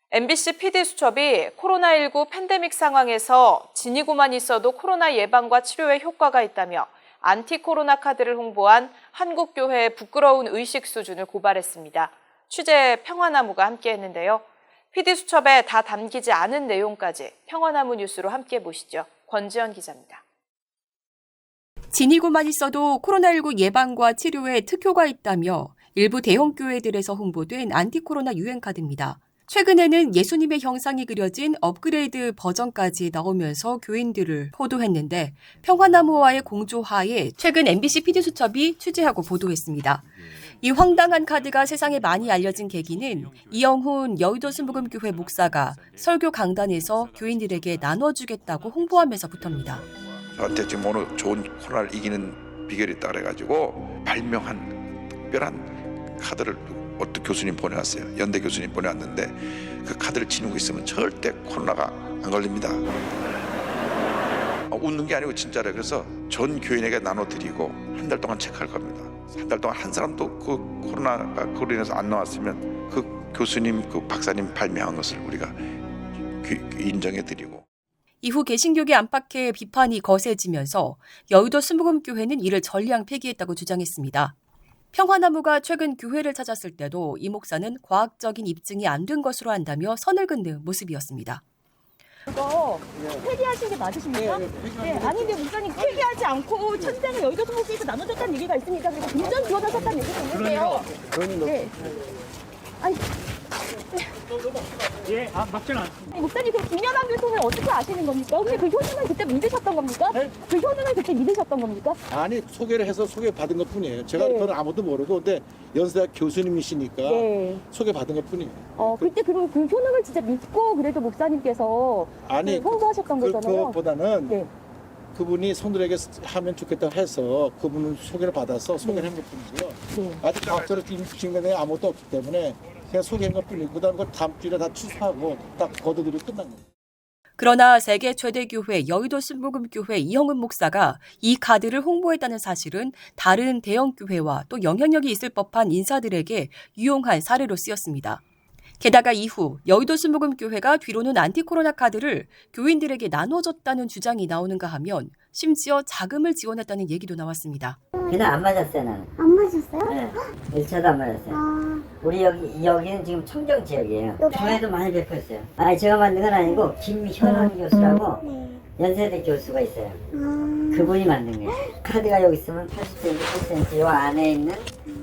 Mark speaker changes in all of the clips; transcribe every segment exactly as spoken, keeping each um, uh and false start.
Speaker 1: 엠비씨 피디수첩이 코로나십구 팬데믹 상황에서 지니고만 있어도 코로나 예방과 치료에 효과가 있다며 안티코로나 카드를 홍보한 한국교회의 부끄러운 의식 수준을 고발했습니다. 취재 평화나무가 함께했는데요. 피디수첩에 다 담기지 않은 내용까지 평화나무 뉴스로 함께 보시죠. 권지연 기자입니다.
Speaker 2: 지니고만 있어도 코로나십구 예방과 치료에 특효가 있다며 일부 대형 교회들에서 홍보된 안티코로나 유행카드입니다. 최근에는 예수님의 형상이 그려진 업그레이드 버전까지 나오면서 교인들을 호도했는데 평화나무와의 공조하에 최근 엠비씨 피디수첩이 취재하고 보도했습니다. 이 황당한 카드가 세상에 많이 알려진 계기는 이영훈 여의도 순복음교회 목사가 설교 강단에서 교인들에게 나눠주겠다고 홍보하면서부터입니다.
Speaker 3: 저한테 지금 오늘 좋은 코로나를 이기는 비결이 있다 그래가지고 발명한 특별한 카드를 어떤 교수님 보내왔어요. 연대 교수님 보내왔는데 그 카드를 지니고 있으면 절대 코로나가 안 걸립니다. 아, 웃는 게 아니고 진짜래요. 그래서 전 교인에게 나눠드리고 한 달 동안 체크할 겁니다. 한 달 동안 한 사람도 그 코로나가 그로 인해서 안 나왔으면 그 교수님, 그 박사님 발명한 것을 우리가 인정해드리고.
Speaker 2: 이후 개신교계 안팎의 비판이 거세지면서 여의도 순복음교회는 이를 전량 폐기했다고 주장했습니다. 평화나무가 최근 교회를 찾았을 때도 이 목사는 과학적인 입증이 안 된 것으로 한다며 선을 긋는 모습이었습니다.
Speaker 4: 이거 폐기하신 게 맞으십니까? 네, 네, 아니 근데 목사님 폐기하지 않고 천장을 여의도 순복음교회에서 나눠줬다는 얘기가 있습니다. 그리고 금전 지원하셨다는 얘기도 있는데요. 네. 아니,
Speaker 5: 예, 아, 맞지는 않습니다.
Speaker 4: 아니, 목사님 그 김연한 교통을 어떻게 아시는 겁니까? 혹시 그 효능을 그때 믿으셨던 겁니까?
Speaker 5: 네?
Speaker 4: 그 효능을 그때 믿으셨던 겁니까?
Speaker 5: 아니, 소개를 해서 소개받은 것 뿐이에요. 제가
Speaker 4: 네.
Speaker 5: 그건 아무도 모르고, 근데 연세대학 교수님이시니까
Speaker 4: 네.
Speaker 5: 소개받은 것 뿐이에요.
Speaker 4: 어, 그때 그럼 그 효능을 진짜 믿고 그래도 목사님께서
Speaker 5: 아니,
Speaker 4: 그 홍보하셨던
Speaker 5: 그,
Speaker 4: 거잖아요.
Speaker 5: 그것보다는
Speaker 4: 네.
Speaker 5: 그분이 손들에게 하면 좋겠다고 해서 그분은 소개를 받아서 소개를 한 것 뿐이고요.
Speaker 4: 네.
Speaker 5: 아직 과학적으로 입증된 게 아무것도 없기 때문에 그냥 소개한 것 뿐이고, 그 다음 걸 다음 주에 다 취소하고 딱 거둬들이고 끝난 거예요.
Speaker 2: 그러나 세계 최대 교회 여의도 순복음교회 이영훈 목사가 이 카드를 홍보했다는 사실은 다른 대형 교회와 또 영향력이 있을 법한 인사들에게 유용한 사례로 쓰였습니다. 게다가 이후 여의도 순복음교회가 뒤로는 안티코로나 카드를 교인들에게 나눠줬다는 주장이 나오는가 하면 심지어 자금을 지원했다는 얘기도 나왔습니다.
Speaker 6: 그냥 안 맞았어요, 나는.
Speaker 7: 안 맞았어요?
Speaker 6: 네. 일 차도 안 맞았어요.
Speaker 7: 아,
Speaker 6: 우리 여기, 여기는 지금 청정 지역이에요.
Speaker 7: 네.
Speaker 6: 교회도 많이 베풀었어요. 아니, 제가 만든 건 아니고, 김현원 교수라고
Speaker 7: 네.
Speaker 6: 연세대 교수가 있어요.
Speaker 7: 아,
Speaker 6: 그분이 만든 거예요. 카드가 여기 있으면 팔십 센티미터, 팔십 센티미터 요 안에 있는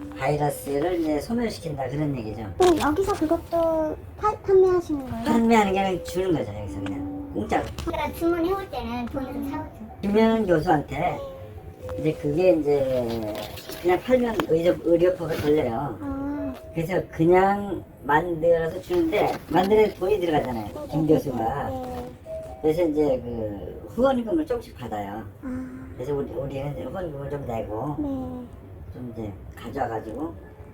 Speaker 6: 바이러스를 이제 소멸시킨다, 그런 얘기죠.
Speaker 7: 그럼 여기서 그것도 파, 판매하시는 거예요?
Speaker 6: 판매하는 게 아니라 주는 거죠, 여기서 그냥. 공짜로.
Speaker 7: 제가 주문해올 때는 돈을 좀 사오죠.
Speaker 6: 김현원 교수한테 이제 그게 이제 그냥 팔면 의료, 의료법에 걸려요.
Speaker 7: 아,
Speaker 6: 그래서 그냥 만들어서 주는데 만드는 돈이 들어가잖아요, 김 교수가.
Speaker 7: 네.
Speaker 6: 그래서 이제 그 후원금을 조금씩 받아요.
Speaker 7: 아,
Speaker 6: 그래서 우리, 우리는 이제 후원금을 좀 내고
Speaker 7: 네.
Speaker 6: 좀 이제 가져와가지고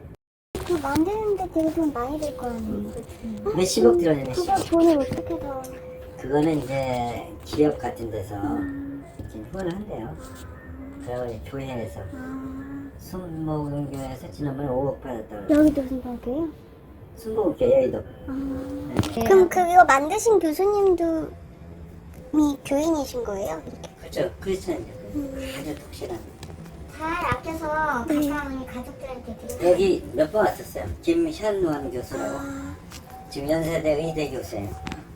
Speaker 7: 그거 만드는데 되게 돈 많이 들 거 아니에요?
Speaker 6: 몇십억 들어요,
Speaker 7: 그거
Speaker 6: 몇십억.
Speaker 7: 돈을 어떻게 더.
Speaker 6: 그거는 이제 기업 같은 데서 지금 후원을 한대요. 그리고 교회에서
Speaker 7: 아,
Speaker 6: 순복음교회에서 지난번에 오억 받았다고.
Speaker 7: 여기도 생각해요?
Speaker 6: 순복음교회 여의도.
Speaker 7: 아. 그럼 그거 만드신 교수님도 미 교인이신 거예요?
Speaker 6: 그렇죠. 크리스천이죠. 아주 독실한.
Speaker 7: 잘 아껴서 가까운 가족들한테 드리고.
Speaker 6: 여기 몇 번 왔었어요. 김현원 교수라고.
Speaker 7: 아,
Speaker 6: 지금 연세대 의대 교수예요.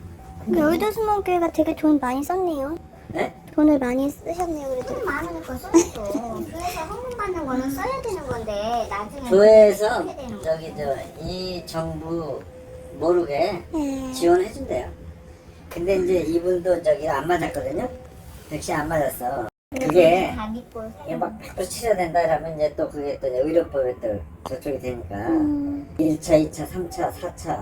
Speaker 7: 여의도 순복음교회가 되게 돈 많이 썼네요.
Speaker 6: 네?
Speaker 7: 돈을 많이 쓰셨네요, 그래도.
Speaker 8: 돈 많으니까 써야죠. 교회에서 헌금 받는 거는 써야 되는 건데 나중에
Speaker 6: 교회에서
Speaker 8: 어떻게 되는 거야?
Speaker 6: 저기 저 이 정부 모르게
Speaker 7: 네.
Speaker 6: 지원해준대요. 근데 이제 이분도 저기 안 맞았거든요. 백신 안 맞았어. 그게
Speaker 8: 다 믿고
Speaker 6: 이게 막 백 퍼센트 치료야 된다 그러면 이제 또 그게 또 이제 의료법에 또 저쪽이 되니까
Speaker 7: 음,
Speaker 6: 일 차, 이 차, 삼 차, 사 차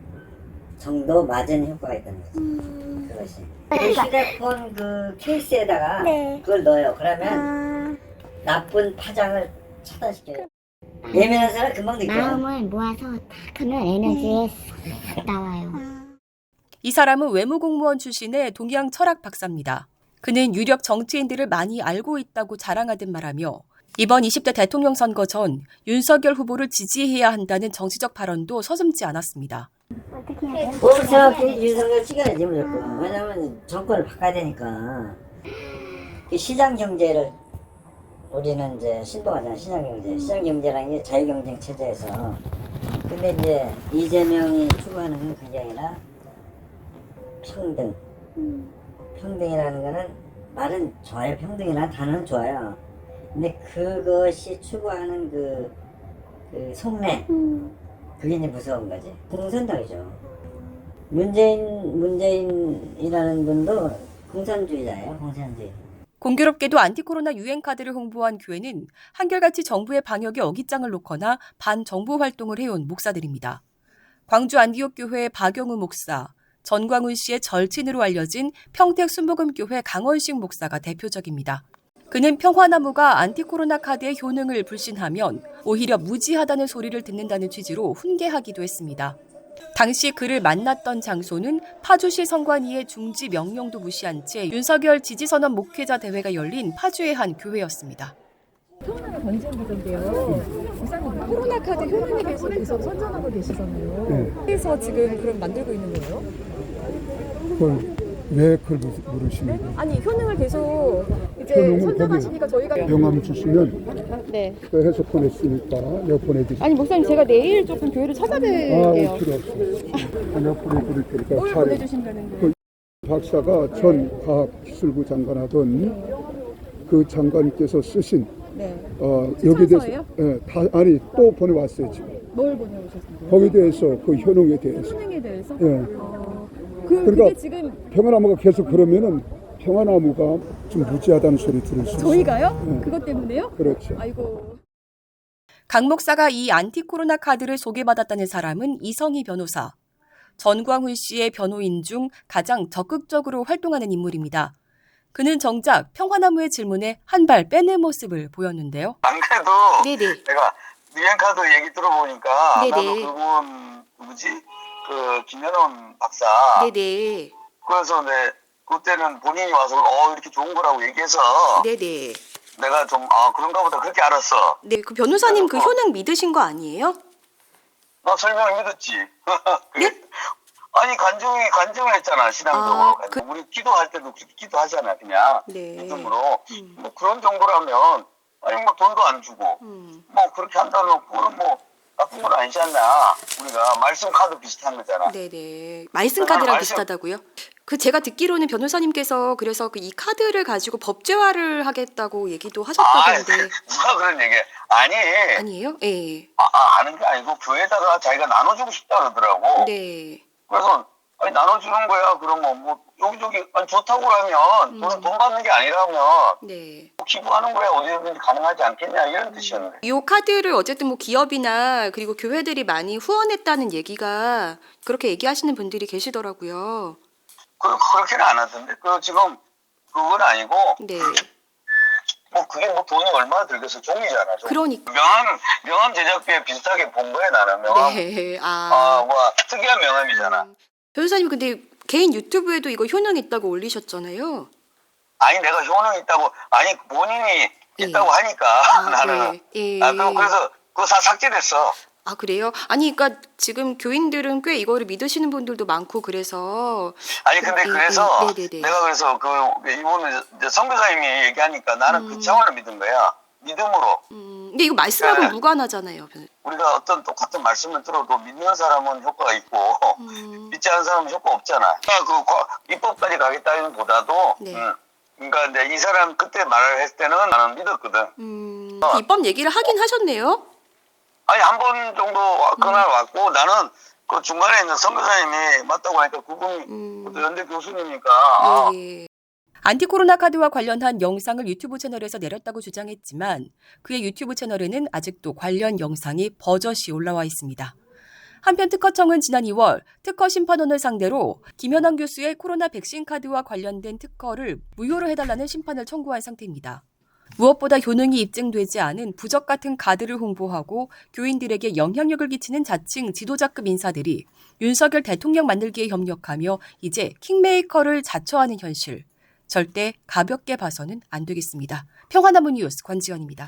Speaker 6: 정도 맞은 효과가 있다는 거죠.
Speaker 7: 음.
Speaker 6: 그것이. 그 휴대폰 그 케이스에다가
Speaker 7: 네.
Speaker 6: 그걸 넣어요. 그러면
Speaker 7: 아,
Speaker 6: 나쁜 파장을 차단시켜요. 예민한 사람 금방 느껴요.
Speaker 8: 마음을 모아서 딱 하면 에너지에 싹 나와요.
Speaker 2: 이 사람은 외무공무원 출신의 동양 철학 박사입니다. 그는 유력 정치인들을 많이 알고 있다고 자랑하듯 말하며 이번 이십 대 대통령 선거 전 윤석열 후보를 지지해야 한다는 정치적 발언도 서슴지 않았습니다.
Speaker 7: 어떻게 해야 돼요?
Speaker 6: 뭘 생각해? 윤석열 찍어야지 무조건. 왜냐면 정권을 바꿔야 되니까. 이 시장 경제를 우리는 이제 신봉하잖아. 시장 경제. 시장 경제라는 게 자유 경쟁 체제에서. 근데 이제 이재명이 추구하는 건 그게 아니라 평등. 평등이라는 거는 말은 좋아요. 평등이라는 단어는 좋아요. 근데 그것이 추구하는 그, 그 속내. 그게 이제 무서운 거지. 공산당이죠. 문재인, 문재인이라는 분도 공산주의자예요. 공산주의.
Speaker 2: 공교롭게도 안티코로나 유행카드를 홍보한 교회는 한결같이 정부의 방역에 어깃장을 놓거나 반정부 활동을 해온 목사들입니다. 광주 안디옥 교회 박영우 목사, 전광훈 씨의 절친으로 알려진 평택 순복음교회 강원식 목사가 대표적입니다. 그는 평화나무가 안티코로나 카드의 효능을 불신하면 오히려 무지하다는 소리를 듣는다는 취지로 훈계하기도 했습니다. 당시 그를 만났던 장소는 파주시 성관위의 중지 명령도 무시한 채 윤석열 지지선언 목회자 대회가 열린 파주의 한 교회였습니다.
Speaker 9: 코로나가 번지는데요. 목사님 코로나 카드 효능에 대해서 계속 선전하고 계시잖아요.
Speaker 10: 네.
Speaker 9: 그래서 지금 그럼 만들고 있는 거예요?
Speaker 10: 그걸 왜 그걸 물으시는 거예요?
Speaker 9: 아니 효능을 계속 이제
Speaker 10: 효능을
Speaker 9: 선전하시니까 저희가
Speaker 10: 명함 주시면
Speaker 9: 네.
Speaker 10: 그 해서 보냈으니까 내가 보내드릴게요.
Speaker 9: 아니 목사님 제가 내일 조금 교회를
Speaker 10: 아,
Speaker 9: 찾아뵐게요.
Speaker 10: 필요 없어요. 내가 보내드릴 테니까
Speaker 9: 뭘
Speaker 10: 잘.
Speaker 9: 보내주신다는 거예요?
Speaker 10: 박사가 전 과학기술부 장관하던 그 장관께서 쓰신
Speaker 9: 네.
Speaker 10: 어, 여기에 대해서
Speaker 9: 찬서예요?
Speaker 10: 예, 다, 아니 또 보내왔어요 지금.
Speaker 9: 뭘 보내오셨어요?
Speaker 10: 거기에 대해서 그 효능에 대해서.
Speaker 9: 효능에 대해서?
Speaker 10: 예.
Speaker 9: 어, 그,
Speaker 10: 그러니까
Speaker 9: 그게 지금
Speaker 10: 평화나무가 계속 그러면은 평화나무가 좀 무지하다는 소리 들을 수 있어요.
Speaker 9: 저희가요?
Speaker 10: 예.
Speaker 9: 그것 때문에요?
Speaker 10: 그렇죠.
Speaker 9: 아이고.
Speaker 2: 강 목사가 이 안티코로나 카드를 소개받았다는 사람은 이성희 변호사. 전광훈 씨의 변호인 중 가장 적극적으로 활동하는 인물입니다. 그는 정작 평화나무의 질문에 한 발 빼는 모습을 보였는데요.
Speaker 11: 안 그래도
Speaker 2: 네네.
Speaker 11: 내가 유행카드 얘기 들어보니까
Speaker 2: 네네.
Speaker 11: 나도 그분 누구지? 그 김현원 박사.
Speaker 2: 네네.
Speaker 11: 그래서 내 그때는 본인이 와서 어 이렇게 좋은 거라고 얘기해서
Speaker 2: 네네.
Speaker 11: 내가 좀 아 그런가 보다 그렇게 알았어.
Speaker 2: 네, 그 변호사님 그 효능 믿으신 거 아니에요?
Speaker 11: 나 설명을 믿었지.
Speaker 2: 네?
Speaker 11: 아니 간증이 간증을 했잖아 신앙적으로.
Speaker 2: 아, 그-
Speaker 11: 우리 기도할 때도 그렇게 기도하잖아 그냥
Speaker 2: 네.
Speaker 11: 믿음으로.
Speaker 2: 음.
Speaker 11: 뭐 그런 정도라면 아니 뭐 돈도 안 주고
Speaker 2: 음.
Speaker 11: 뭐 그렇게 한다면 그거는 뭐 나쁜 건 아니지 않나. 우리가 말씀 카드 비슷한 거잖아.
Speaker 2: 네네. 말씀 카드랑
Speaker 11: 말씀-
Speaker 2: 비슷하다고요? 그 제가 듣기로는 변호사님께서 그래서 그 이 카드를 가지고 법제화를 하겠다고 얘기도
Speaker 11: 아,
Speaker 2: 하셨다던데
Speaker 11: 누가 그런 얘기? 아니,
Speaker 2: 아니에요? 예.
Speaker 11: 아, 아, 아는 게 아니고 교회에다가 자기가 나눠주고 싶다 그러더라고.
Speaker 2: 네.
Speaker 11: 그래서 아니 나눠주는 거야. 그러면 뭐 여기저기 아니, 좋다고 하면 돈은 돈 받는 게 아니라면
Speaker 2: 네.
Speaker 11: 뭐 기부하는 거야 어디든지 가능하지 않겠냐 이런 뜻이었는데.
Speaker 2: 이 카드를 어쨌든 뭐 기업이나 그리고 교회들이 많이 후원했다는 얘기가 그렇게 얘기하시는 분들이 계시더라고요.
Speaker 11: 그 그렇게는 안 하던데. 그 지금 그건 아니고
Speaker 2: 네.
Speaker 11: 뭐 그게 뭐 돈이 얼마나 들겠어 종이잖아. 종이.
Speaker 2: 그러니까.
Speaker 11: 명함 명함 제작비에 비슷하게 본 거야 나는 명함.
Speaker 2: 네. 아.
Speaker 11: 아, 뭐 특이한 명함이잖아.
Speaker 2: 변호사님 근데 개인 유튜브에도 이거 효능 있다고 올리셨잖아요.
Speaker 11: 아니 내가 효능 있다고 아니 본인이
Speaker 2: 예.
Speaker 11: 있다고 하니까
Speaker 2: 아,
Speaker 11: 나는
Speaker 2: 네. 예.
Speaker 11: 아 그럼 그래서 그거 다 삭제됐어.
Speaker 2: 아, 그래요? 아니, 그러니까 지금 교인들은 꽤 이거를 믿으시는 분들도 많고 그래서.
Speaker 11: 아니 근데
Speaker 2: 예,
Speaker 11: 그래서
Speaker 2: 예, 네네네.
Speaker 11: 내가 그래서 그 이분은 이제 선교사님이 얘기하니까 나는
Speaker 2: 음.
Speaker 11: 그 차원을 믿은 거야. 믿음으로.
Speaker 2: 음, 근데 이거 말씀하고
Speaker 11: 네.
Speaker 2: 무관하잖아요. 변-
Speaker 11: 우리가 어떤 똑같은 말씀을 들어도 믿는 사람은 효과가 있고
Speaker 2: 음,
Speaker 11: 믿지 않는 사람은 효과 없잖아. 그러니까 그 과- 입법까지 가겠다는 보다도
Speaker 2: 네.
Speaker 11: 음, 그러니까 이제 이 사람 그때 말을 했을 때는 나는 믿었거든.
Speaker 2: 음,
Speaker 11: 어.
Speaker 2: 입법 얘기를 하긴 하셨네요.
Speaker 11: 아니 한 번 정도 와- 그날 왔고 나는 그 중간에 있는 선교사님이 맞다고 하니까 그분이
Speaker 2: 음.
Speaker 11: 또 연대 교수님이니까 아,
Speaker 2: 예, 예. 안티코로나 카드와 관련한 영상을 유튜브 채널에서 내렸다고 주장했지만 그의 유튜브 채널에는 아직도 관련 영상이 버젓이 올라와 있습니다. 한편 특허청은 지난 이월 특허 심판원을 상대로 김현환 교수의 코로나 백신 카드와 관련된 특허를 무효로 해달라는 심판을 청구한 상태입니다. 무엇보다 효능이 입증되지 않은 부적 같은 카드를 홍보하고 교인들에게 영향력을 끼치는 자칭 지도자급 인사들이 윤석열 대통령 만들기에 협력하며 이제 킹메이커를 자처하는 현실. 절대 가볍게 봐서는 안 되겠습니다. 평화나무 뉴스 권지연입니다.